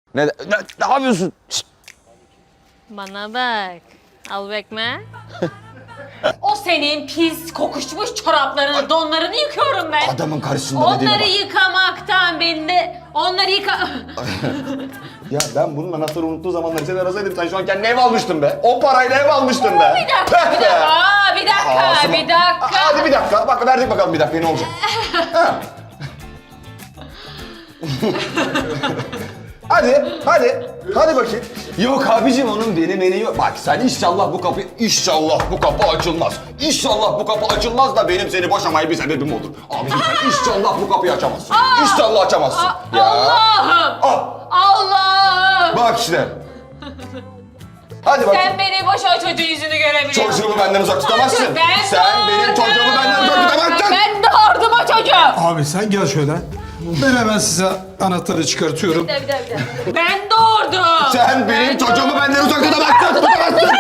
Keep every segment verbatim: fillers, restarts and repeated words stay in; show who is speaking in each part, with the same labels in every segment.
Speaker 1: Ne, ne, ne yapıyorsun? Şişt.
Speaker 2: Bana bak. Al bekme.
Speaker 3: O senin pis kokuşmuş çoraplarını, donlarını yıkıyorum ben.
Speaker 1: Adamın karşısında dediğine
Speaker 3: Onları
Speaker 1: bak.
Speaker 3: yıkamaktan beni de... Onları yıka...
Speaker 1: Ya ben bunun anahtarı unuttuğu zamanları seni arasaydım sen şu an kendine ev almıştın be. O parayla ev almıştın be.
Speaker 3: Bir dakika, bir dakika, aa, bir dakika,
Speaker 1: Ağzıma-
Speaker 3: bir dakika.
Speaker 1: Hadi bir dakika. Bak verdik bakalım bir dakika ne olacak. Ha. Hadi, hadi. Hadi bakayım. Yok abicim onun beni beni yok. Bak sen inşallah bu kapı, inşallah bu kapı açılmaz. İnşallah bu kapı açılmaz da benim seni boşamaya bir sebebim olur. Abicim sen inşallah bu kapıyı açamazsın. İnşallah açamazsın.
Speaker 3: Aa, Allah'ım!
Speaker 1: Ah,
Speaker 3: Allah'ım!
Speaker 1: bak işte. Hadi bakayım.
Speaker 3: Sen beni boş o çocuğun yüzünü görebiliyorsun.
Speaker 1: Çocuğumu benden uzak tutamazsın.
Speaker 3: Ben
Speaker 1: Sen benim
Speaker 3: doğurdum.
Speaker 1: çocuğumu benden uzak tutamazsın.
Speaker 3: Ben doğurdum o çocuğu.
Speaker 4: Abi sen gel şöyle. Ben hemen size anahtarı çıkartıyorum.
Speaker 3: Bir dakika, bir dakika. Ben doğurdum.
Speaker 1: Sen benim
Speaker 3: Ben
Speaker 1: çocuğumu
Speaker 3: doğurdum.
Speaker 1: benden uzak tutamazsın. Tutamazsın.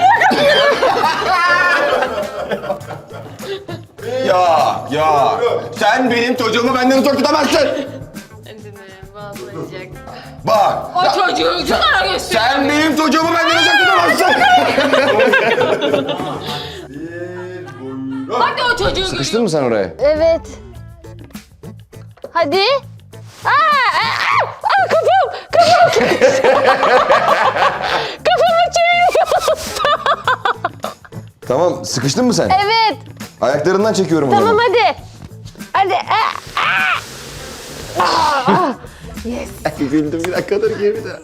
Speaker 1: Ya, ya. Sen benim çocuğumu benden uzak tutamazsın.
Speaker 2: Hadi ne bağlayacak.
Speaker 1: Bak.
Speaker 3: O çocuğu şunlara göster.
Speaker 1: Sen benim çocuğumu benden uzak tutamazsın.
Speaker 3: Hadi o çocuğu
Speaker 1: Sıkıştın mı sen oraya?
Speaker 2: Evet. Hadi. Aa, aa, aa, kafam, kafam. Kafamı çeviriyor.
Speaker 1: Tamam, sıkıştın mı sen?
Speaker 2: Evet.
Speaker 1: Ayaklarından çekiyorum o
Speaker 2: Tamam
Speaker 1: zaman.
Speaker 2: hadi. Hadi. Aa, aa.
Speaker 1: Güldüm bir dakikadır gibi de.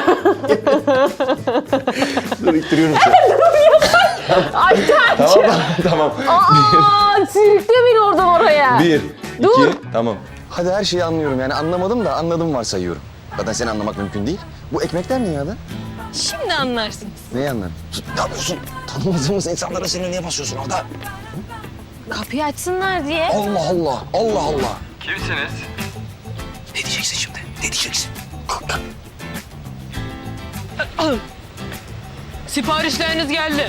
Speaker 1: Dur ittiriyorum seni.
Speaker 2: Ay tamam.
Speaker 1: Tamam, tamam.
Speaker 2: Aa, sürükle beni oradan oraya.
Speaker 1: Bir,
Speaker 2: Dur.
Speaker 1: iki, tamam. Hadi her şeyi anlıyorum yani anlamadım da anladım varsayıyorum. Zaten seni anlamak mümkün değil. Bu ekmekler ne ya da?
Speaker 2: Şimdi anlarsın.
Speaker 1: Neyi anladın? Ne yapıyorsun? Tanımadığımız insanlara seni niye basıyorsun orada?
Speaker 2: Kapıyı açsınlar diye.
Speaker 1: Allah Allah, Allah Allah.
Speaker 5: Kimsiniz?
Speaker 1: Ne diyeceksin şimdi? Ne diyeceksin? Kalk, kalk.
Speaker 3: Siparişleriniz geldi.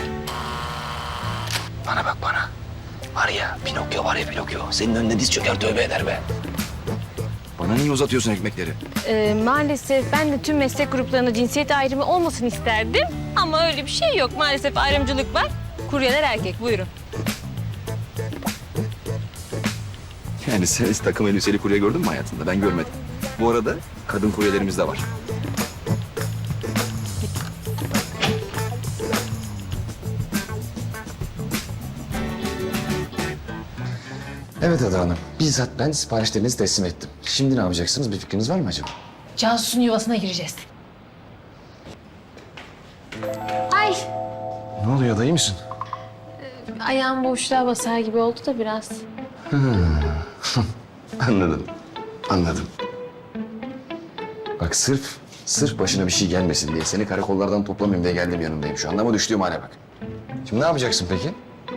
Speaker 1: Bana bak bana. Var ya Pinokyo var ya Pinokyo. Senin önüne diz çöker tövbe eder be. Bana niye uzatıyorsun ekmekleri?
Speaker 2: Ee, maalesef ben de tüm meslek gruplarında cinsiyet ayrımı olmasını isterdim. Ama öyle bir şey yok. Maalesef ayrımcılık var. Kuryeler erkek. Buyurun.
Speaker 1: Yani sen hiç takım elbiseli kurye gördün mü hayatında? Ben görmedim. Bu arada kadın kuryelerimiz de var. Evet Ada Hanım. Bizzat ben siparişlerinizi teslim ettim. Şimdi ne yapacaksınız? Bir fikriniz var mı acaba?
Speaker 3: Cansu'nun yuvasına gireceğiz.
Speaker 2: Ay.
Speaker 1: Ne oluyor? Dayı mısın?
Speaker 2: Ayağım boşluğa basar gibi oldu da biraz.
Speaker 1: Anladım. Anladım. Bak sırf, sırf başına bir şey gelmesin diye seni karakollardan toplamayayım diye geldim yanındayım şu anda ama düştüğüm hale bak. Şimdi ne yapacaksın peki?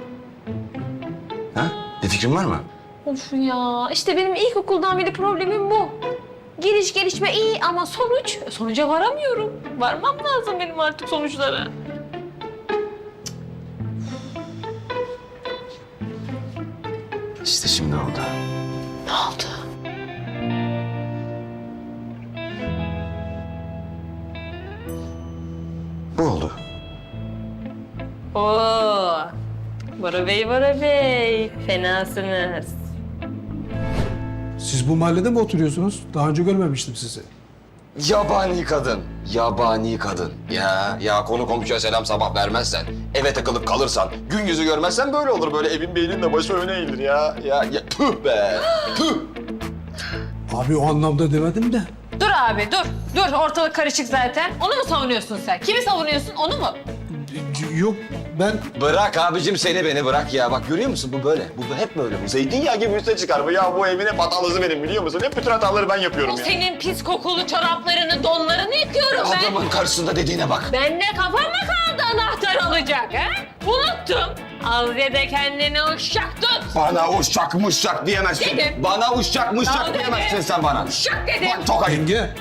Speaker 1: Ha? Bir fikrin var mı?
Speaker 2: Of ya. İşte benim ilkokuldan beri problemim bu. Geliş gelişme iyi ama sonuç, sonuca varamıyorum. Varmam lazım benim artık sonuçlara.
Speaker 1: İşte şimdi oldu.
Speaker 2: Ne oldu?
Speaker 1: Bu oldu.
Speaker 2: Oo. Bora Bey, Bora Bey. Fenasınız.
Speaker 4: Siz bu mahallede mi oturuyorsunuz? Daha önce görmemiştim sizi.
Speaker 1: Yabani kadın. Yabani kadın. Ya ya konu komşuya selam sabah vermezsen, eve takılıp kalırsan, gün yüzü görmezsen böyle olur. Böyle evin beynin de başı öne eğilir ya. Ya, ya tüh be. Tüh.
Speaker 4: Abi o anlamda demedim de.
Speaker 3: Dur abi dur. Dur ortalık karışık zaten. Onu mu savunuyorsun sen? Kimi savunuyorsun? Onu mu?
Speaker 4: Yok ben
Speaker 1: Bırak abicim seni beni bırak ya. Bak görüyor musun bu böyle. Bu hep böyle. Bu zeytinyağı gibi üste çıkar bu. Ya bu evin hep hatalısı benim biliyor musun? Hep bütün hataları ben yapıyorum
Speaker 3: O
Speaker 1: ya.
Speaker 3: senin pis kokulu çoraplarını, donlarını yıkıyorum ben.
Speaker 1: Adamın karşısında dediğine bak.
Speaker 3: Ben de kafama kaldı anahtar alacak ha? Unuttum. Al ya da kendine uşak tut.
Speaker 1: Bana uşak muşak diyemezsin.
Speaker 3: Dedim.
Speaker 1: Bana uşak
Speaker 3: Ya
Speaker 1: muşak
Speaker 3: dedim.
Speaker 1: diyemezsin sen bana.
Speaker 3: Uşak dedim.
Speaker 1: Bak tokayım.
Speaker 4: yenge.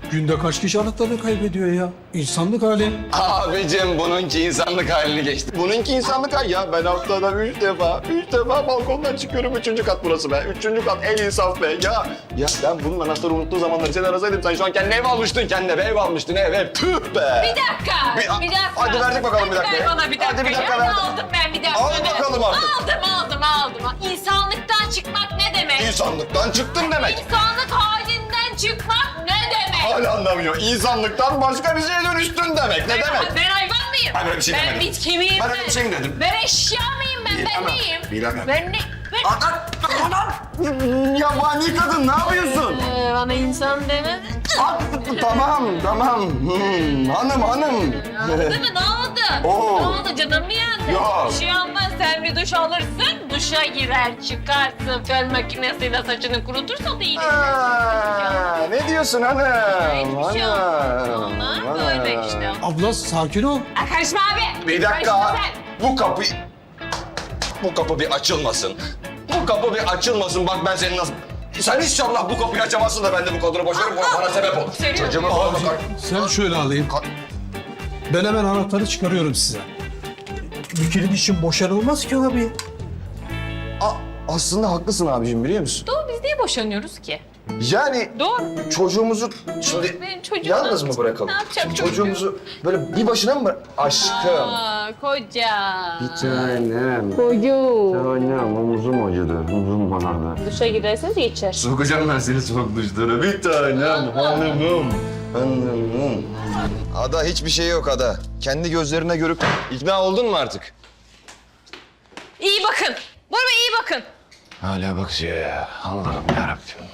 Speaker 4: Günde kaç kişi anahtarını kaybediyor ya? İnsanlık hali.
Speaker 1: Abicim bununki insanlık halini geçti. Bununki insanlık hali ya. Ben haftada üç defa, üç defa balkondan çıkıyorum. Üçüncü kat burası be. Üçüncü kat en insaf be. Ya, ya ben bunun anahtarı unuttuğu zamanları seni arasaydım. Sen şu an kendine ev almıştın. Kendine ev almıştın. Ev, ev. Tüh be.
Speaker 3: Bir dakika,
Speaker 1: Bir-
Speaker 3: bir, dakika.
Speaker 1: Hadi verdik bakalım bir
Speaker 3: Hadi
Speaker 1: dakika.
Speaker 3: ver bana bir dakika.
Speaker 1: Hadi bir dakika
Speaker 3: ya.
Speaker 1: ver.
Speaker 3: Aldım ben bir dakika.
Speaker 1: Al bakalım artık.
Speaker 3: Aldım, aldım, aldım. İnsanlıktan çıkmak ne demek?
Speaker 1: İnsanlıktan çıktın demek.
Speaker 3: İnsanlık halinden çıkmak ne demek?
Speaker 1: Hala anlamıyor. İnsanlıktan başka bir şeye dönüştün demek. Ne
Speaker 3: Ben,
Speaker 1: demek?
Speaker 3: ben hayvan mıyım?
Speaker 1: Ben öyle bir şey
Speaker 3: ben
Speaker 1: demedim.
Speaker 3: bitki miyim?
Speaker 1: Ben öyle bir şey mi dedim?
Speaker 3: Ben eşya mıyım ben?
Speaker 1: Bilemem,
Speaker 3: Ben neyim?
Speaker 1: bilemem.
Speaker 3: Ben ne? Ben...
Speaker 1: Aa, yabani kadın ne yapıyorsun?
Speaker 3: Ee, bana insan demedin.
Speaker 1: Aa, tamam, tamam. Hmm, hanım, hanım.
Speaker 3: Değil mi? Ne oldu?
Speaker 1: Oo.
Speaker 3: Ne oldu? Canım mı yandı?
Speaker 1: Yok.
Speaker 3: Bir şey olmaz. Sen bir duş alırsın, duşa girer, çıkarsın. Fön makinesiyle saçını kurutursa da iyi.
Speaker 1: Aa, ne diyorsun hanım?
Speaker 3: Hiçbir şey olmaz. Ona böyle işte.
Speaker 4: Abla sakin ol.
Speaker 3: Aa, karışma abi.
Speaker 1: Bir dakika.
Speaker 3: Karışma sen.
Speaker 1: Bu kapı... Bu kapı bir açılmasın. Bu kapı bir açılmasın. Bak ben seni nasıl... Sen inşallah bu kapıyı açamazsın da ben de bu kadını boşarım. Bu bana sebep olur.
Speaker 3: Seviyorum.
Speaker 1: Çocuğumu falan bakar.
Speaker 4: Sen şöyle alayım.
Speaker 1: Ka-
Speaker 4: Ben hemen anahtarı çıkarıyorum size. Bir kilit için boşanılmaz ki abi.
Speaker 1: A- aslında haklısın abicim biliyor musun?
Speaker 3: Doğru, biz niye boşanıyoruz ki?
Speaker 1: Yani
Speaker 3: Doğru.
Speaker 1: çocuğumuzu şimdi
Speaker 3: Benim çocuğum.
Speaker 1: yalnız mı bırakalım?
Speaker 3: Ne yapacak
Speaker 1: Şimdi
Speaker 3: çocuğum?
Speaker 1: çocuğumuzu böyle bir başına mı bırak? Aşkım.
Speaker 3: Aa, koca.
Speaker 1: Tanem.
Speaker 3: Koyu.
Speaker 1: Tanem omuzum acıdı. Omuzum bana.
Speaker 3: Duşa girerseniz geçer.
Speaker 1: Sokacağım ben seni soğuk duşlara. Bir tanem hanımım. Hanımım. Ada hiçbir şey yok Ada. Kendi gözlerine görüp ikna oldun mu artık?
Speaker 3: İyi bakın. Bora Bey iyi bakın.
Speaker 1: Hala bakıyor ya. Allah'ım yarabbim.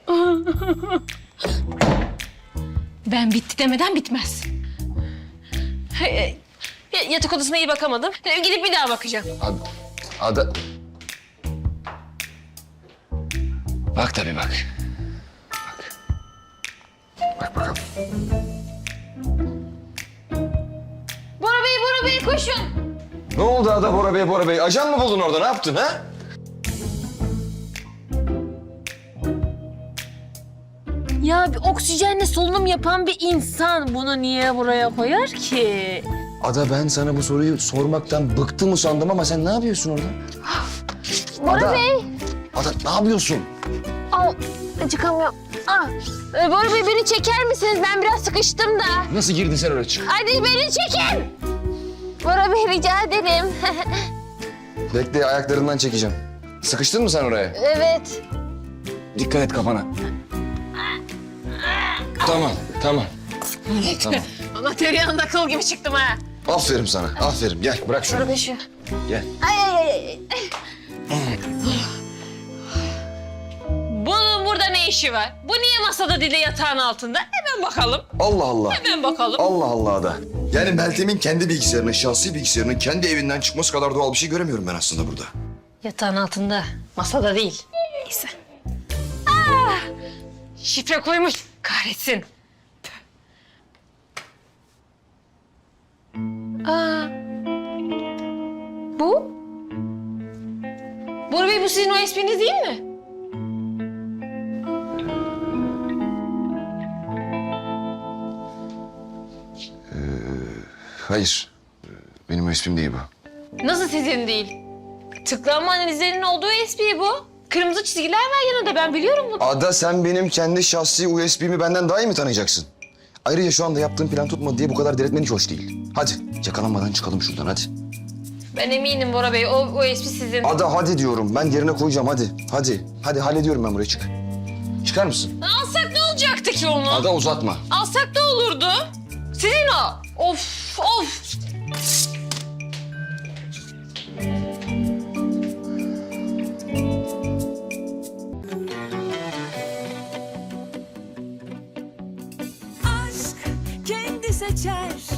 Speaker 3: Ben bitti demeden bitmez. Hey, y- Yatak odasına iyi bakamadım. Ee, Gidip bir daha bakacağım.
Speaker 1: Ada. Ada. Bak tabii bak. Bak. Bak bakalım.
Speaker 3: Bora Bey, Bora Bey koşun.
Speaker 1: Ne oldu Ada Bora Bey, Bora Bey? Ajan mı buldun orada? Ne yaptın ha?
Speaker 3: Ya bir oksijenle solunum yapan bir insan bunu niye buraya koyar ki?
Speaker 1: Ada ben sana bu soruyu sormaktan bıktım sandım ama sen ne yapıyorsun orada?
Speaker 3: Bora
Speaker 1: Ada.
Speaker 3: Bey.
Speaker 1: Ada ne yapıyorsun?
Speaker 3: Al, çıkamıyorum. Ah, e, Bora Bey beni çeker misiniz? Ben biraz sıkıştım da.
Speaker 1: Nasıl girdin sen oraya çık?
Speaker 3: Hadi beni çekin. Bora Bey rica ederim.
Speaker 1: Bekle ayaklarından çekeceğim. Sıkıştın mı sen oraya?
Speaker 3: Evet.
Speaker 1: Dikkat et kafana. Tamam, tamam. Tamam.
Speaker 3: Ama tereyağında kıl gibi çıktım ha.
Speaker 1: Aferin sana, aferin. Gel bırak şunu.
Speaker 3: Bora Bey şu.
Speaker 1: Gel.
Speaker 3: Ay ay ay. ay. Bunun burada ne işi var? Bu niye masada dili yatağın altında? Hemen bakalım.
Speaker 1: Allah Allah.
Speaker 3: Hemen bakalım.
Speaker 1: Allah Allah da. Yani Meltem'in kendi bilgisayarının, şahsi bilgisayarının kendi evinden çıkması kadar doğal bir şey göremiyorum ben aslında burada.
Speaker 3: Yatağın altında. Masada değil. Neyse. Ah! Şifre koymuş. Kahretsin. Aa. Bu? Bora Bey bu sizin o espriniz değil mi?
Speaker 1: Hayır. Benim o ismim değil bu.
Speaker 3: Nasıl sizin değil? Tıklanma analizlerinin olduğu espri bu. Kırmızı çizgiler var yanında ben biliyorum bunu.
Speaker 1: Ada sen benim kendi şahsi U S B'mi benden daha iyi mi tanıyacaksın? Ayrıca şu anda yaptığım plan tutmadı diye bu kadar delirtmen hiç hoş değil. Hadi yakalanmadan çıkalım şuradan hadi.
Speaker 3: Ben eminim Bora Bey o, o espri sizin.
Speaker 1: Ada hadi diyorum ben yerine koyacağım hadi. Hadi. Hadi hallediyorum ben buraya çık. Çıkar mısın?
Speaker 3: Alsak ne olacaktı ki onu?
Speaker 1: Ada uzatma.
Speaker 3: Alsak ne olurdu? Sizin o. Of of.
Speaker 5: aşk kendi seçer